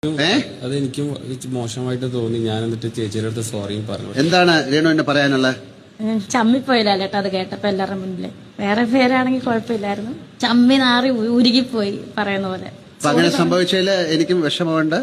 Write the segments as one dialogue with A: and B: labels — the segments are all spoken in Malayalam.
A: അതെനിക്കും മോശമായിട്ട് തോന്നി. ഞാൻ എന്നിട്ട് ചേച്ചിയുടെ അടുത്ത് സോറി പറഞ്ഞു.
B: എന്താണ് രേണുവിന് പറയാനുള്ളത്?
C: ചമ്മിപ്പോയില്ല അത് കേട്ടപ്പോ എല്ലാവരുടെ മുന്നില്. വേറെ പേരാണെങ്കിൽ കുഴപ്പമില്ലായിരുന്നു. ചമ്മി നാറി ഉരുകിപ്പോയി പറയുന്ന പോലെ.
B: അങ്ങനെ സംഭവിച്ചതില് എനിക്കും വിഷമമുണ്ട്.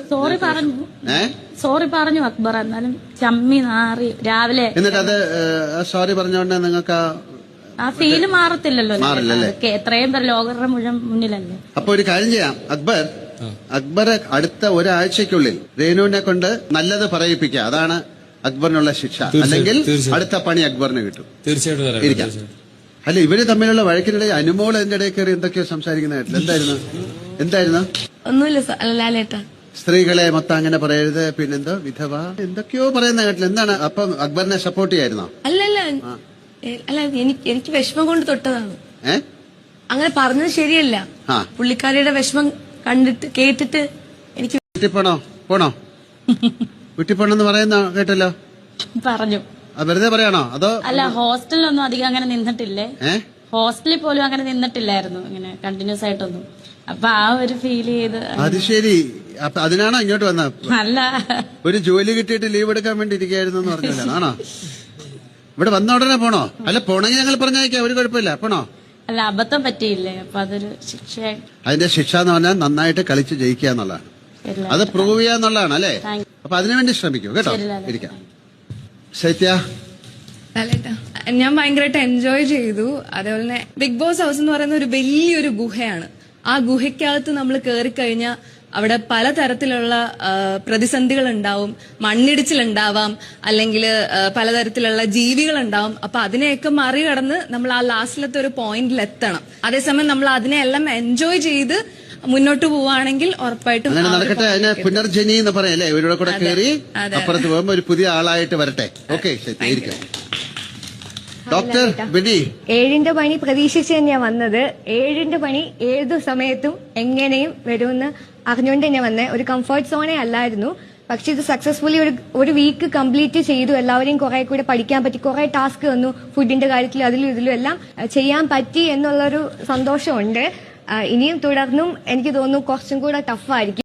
C: സോറി പറഞ്ഞു അക്ബർ. എന്നാലും ചമ്മി നാറി രാവിലെ.
B: എന്നിട്ട് അത് സോറി പറഞ്ഞോണ്ട് നിങ്ങൾക്ക്
C: ആ ഫീല് മാറത്തില്ലല്ലോ. എത്രയും പേർ ലോകരുടെ മുഴുവൻ മുന്നിലല്ലേ.
B: അപ്പൊ ഒരു കാര്യം ചെയ്യാം, അക്ബർ അടുത്ത ഒരാഴ്ചക്കുള്ളിൽ രേണുവിനെ കൊണ്ട് നല്ലത് പറയിപ്പിക്കുക. അതാണ് അക്ബറിനുള്ള ശിക്ഷ. അല്ലെങ്കിൽ അടുത്ത പണി അക്ബറിന് കിട്ടും.
A: തീർച്ചയായിട്ടും
B: ഇരിക്കാം. അല്ല, ഇവര് തമ്മിലുള്ള വഴക്കിനിടെ അനുമോൾ എന്റെ ഇടയിൽ കയറി എന്തൊക്കെയോ സംസാരിക്കുന്നതായിട്ടില്ല. എന്തായിരുന്നു?
D: ഒന്നുമില്ല.
B: സ്ത്രീകളെ മൊത്തം അങ്ങനെ പറയരുത്, പിന്നെന്തോ വിധവ എന്തൊക്കെയോ പറയുന്ന കേട്ടില്ല. എന്താണ്? അപ്പം അക്ബറിനെ സപ്പോർട്ട് ചെയ്യായിരുന്നോ?
D: അല്ല, എനിക്ക് വിഷമം കൊണ്ട് തൊട്ടതാണ്. അങ്ങനെ പറഞ്ഞത് ശരിയല്ല. പുള്ളിക്കാരിയുടെ വിഷമം കണ്ടിട്ട് കേട്ടിട്ട് എനിക്ക്
B: വീട്ടിൽ പോണോ വീട്ടിൽ പോണെന്ന് പറയുന്ന കേട്ടല്ലോ.
C: പറഞ്ഞു.
B: വെറുതെ പറയാണോ അതോ?
C: അല്ല, ഹോസ്റ്റലിലൊന്നും അധികം അങ്ങനെ നിന്നിട്ടില്ലേ. ഹോസ്റ്റലിൽ പോലും അങ്ങനെ നിന്നിട്ടില്ലായിരുന്നു ഇങ്ങനെ കണ്ടിന്യൂസ് ആയിട്ടൊന്നും. അപ്പൊ ആ ഒരു ഫീൽ ചെയ്ത്. അത്
B: ശരി. അപ്പൊ അതിനാണോ ഇങ്ങോട്ട് വന്നത്?
C: അല്ല,
B: ഒരു ജോലി കിട്ടിയിട്ട് ലീവ് എടുക്കാൻ വേണ്ടി ഇരിക്കായിരുന്നു എന്ന് പറഞ്ഞല്ലോ. ആണോ? ഇവിടെ വന്ന ഉടനെ പോണോ? അല്ല, പോണെങ്കിൽ ഞങ്ങൾ പറഞ്ഞയക്കാം, ഒരു കുഴപ്പമില്ല. പോണോ?
C: അല്ല, അബദ്ധം പറ്റിയില്ലേ, അപ്പൊ അതൊരു ശിക്ഷയായി.
B: അതിന്റെ ശിക്ഷ എന്ന് പറഞ്ഞാൽ നന്നായിട്ട് കളിച്ച് ജയിക്കുക എന്നുള്ളതാണ്. അത് പ്രൂവ് ചെയ്യുക എന്നുള്ളതാണ് അല്ലേ? അപ്പൊ അതിനുവേണ്ടി ശ്രമിക്കൂ കേട്ടോ. ഇരിക്കാം. ശൈത്യ,
D: ഞാൻ ഭയങ്കരമായിട്ട് എൻജോയ് ചെയ്തു. അതേപോലെ തന്നെ ബിഗ് ബോസ് ഹൗസ് എന്ന് പറയുന്ന ഒരു വലിയൊരു ഗുഹയാണ്. ആ ഗുഹയ്ക്കകത്ത് നമ്മൾ കയറിക്കഴിഞ്ഞാൽ അവിടെ പലതരത്തിലുള്ള പ്രതിസന്ധികൾ ഉണ്ടാവും. മണ്ണിടിച്ചിലുണ്ടാവാം, അല്ലെങ്കിൽ പലതരത്തിലുള്ള ജീവികൾ ഉണ്ടാവും. അപ്പൊ അതിനെയൊക്കെ മറികടന്ന് നമ്മൾ ആ ലാസ്റ്റിലത്തെ ഒരു പോയിന്റിൽ എത്തണം. അതേസമയം നമ്മൾ അതിനെല്ലാം എൻജോയ് ചെയ്ത് മുന്നോട്ട് പോവുകയാണെങ്കിൽ ഉറപ്പായിട്ടും
B: നടക്കട്ടെ. അതിന് പുനർജനി എന്ന് പറയല്ലേ? ഇവരുടെ കൂടെ കയറി അപ്പുറത്ത് പോകുമ്പോ ഒരു പുതിയ ആളായിട്ട് വരട്ടെ. Okay, doctor Bini.
E: 7ന്റെ പണി പ്രതീക്ഷിച്ച് തന്നെയാണ് വന്നത്. 7ന്റെ പണി ഏതു സമയത്തും എങ്ങനെയും വരുമെന്ന് അറിഞ്ഞുകൊണ്ട് തന്നെ വന്നേ. ഒരു കംഫർട്ട് സോണേ അല്ലായിരുന്നു. പക്ഷെ ഇത് സക്സസ്ഫുള്ളി ഒരു വീക്ക് കംപ്ലീറ്റ് ചെയ്തു. എല്ലാവരെയും കുറെ കൂടെ പഠിക്കാൻ പറ്റി. കുറെ ടാസ്ക് വന്നു, ഫുഡിന്റെ കാര്യത്തിൽ അതിലും ഇതിലും എല്ലാം ചെയ്യാൻ പറ്റി എന്നുള്ളൊരു സന്തോഷമുണ്ട്. ഇനിയും തുടർന്നും എനിക്ക് തോന്നുന്നു കുറച്ചും കൂടെ ടഫായിരിക്കും.